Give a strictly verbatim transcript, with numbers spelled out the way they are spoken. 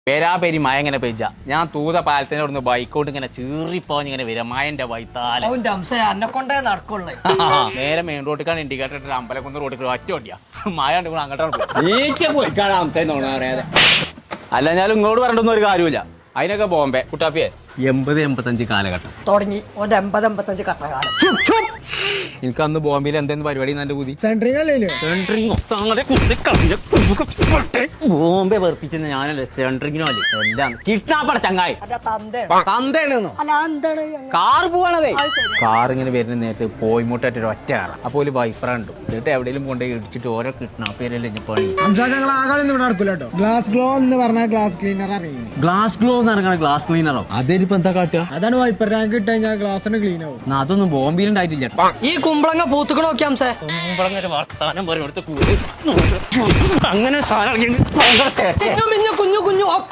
പേരാ പേരി മഴ ഇങ്ങനെ പെയ്ജ ഞാൻ തൂത പാലത്തിന്റെ അവിടുന്ന് ബൈക്കോട്ട് ഇങ്ങനെ ചീറിപ്പോഞ്ഞ് ഇങ്ങനെ വരാം മഴന്റെ വൈത്താലെ എന്നെ കൊണ്ടേ നടക്കുള്ളേ. നേരെ മെയിൻ റോഡിക്കാണ് ഇൻഡിക്കേറ്റർ ഇട്ട് അമ്പലക്കുന്ന് റോഡിൽ ഒറ്റ ഓടിയാ മഴ ഉണ്ട് കൂടെ അങ്ങോട്ടാണ് പോയി. അല്ല ഞാൻ ഇങ്ങോട്ട് പറഞ്ഞിട്ടൊന്നും ഒരു കാര്യമില്ല. അതിനൊക്കെ ബോംബെ കുട്ടാപ്പിയെ എൺപത് എൺപത്തഞ്ച് കാലഘട്ടം തുടങ്ങി ഓന്റെ എൺപത് എൺപത്തഞ്ച് കട്ടകാലം. എനിക്ക് അന്ന് ബോംബെയിൽ എന്തെങ്കിലും പരിപാടി എന്നെ പുതി ബോംബെ വെറുപ്പിച്ചെന്ന് ഞാനല്ലേ സെൻട്രിങ്ങിനോ അല്ലേ എല്ലാം കിഡ്നാപ്പട ചങ്ങായി തന്തേണെന്നോ കാർ പോവാണതേ. കാർ ഇങ്ങനെ വരുന്ന നേരത്തെ പോയിമൂട്ടായിട്ട് ഒരു ഒറ്റ കാറാണ്. അപ്പോൾ ഒരു വൈഫർ ഉണ്ട് എന്നിട്ട് എവിടെയെങ്കിലും കൊണ്ടുപോയി ഇടിച്ചിട്ട് ഓരോ കിഡ്നാപ്പ് ചെയ്യലല്ലേ പണി. ഗ്ലാസ് ഗ്ലോ എന്ന് പറഞ്ഞാൽ ഗ്ലാസ് ക്ലീനർ അറിയുന്നത്. ഗ്ലാസ് ഗ്ലോ എന്ന് പറഞ്ഞാൽ ഗ്ലാസ് ക്ലീനറോ അതിനിപ്പോ എന്താ കാട്ടുക? അതാണ് വൈപ്പർ ടാങ്ക് ഇട്ട് കഴിഞ്ഞാൽ ഗ്ലാസ് ക്ലീൻ ആവും. അതൊന്നും ബോംബെയിൽ ഉണ്ടായിട്ടില്ല. ഈ കുമ്പളങ്ങ പൂത്തുക്കണ നോക്കിയാംസേ കുമ്പളങ്ങ വർത്താനം പറയും അങ്ങനെ കുഞ്ഞു കുഞ്ഞു കുഞ്ഞു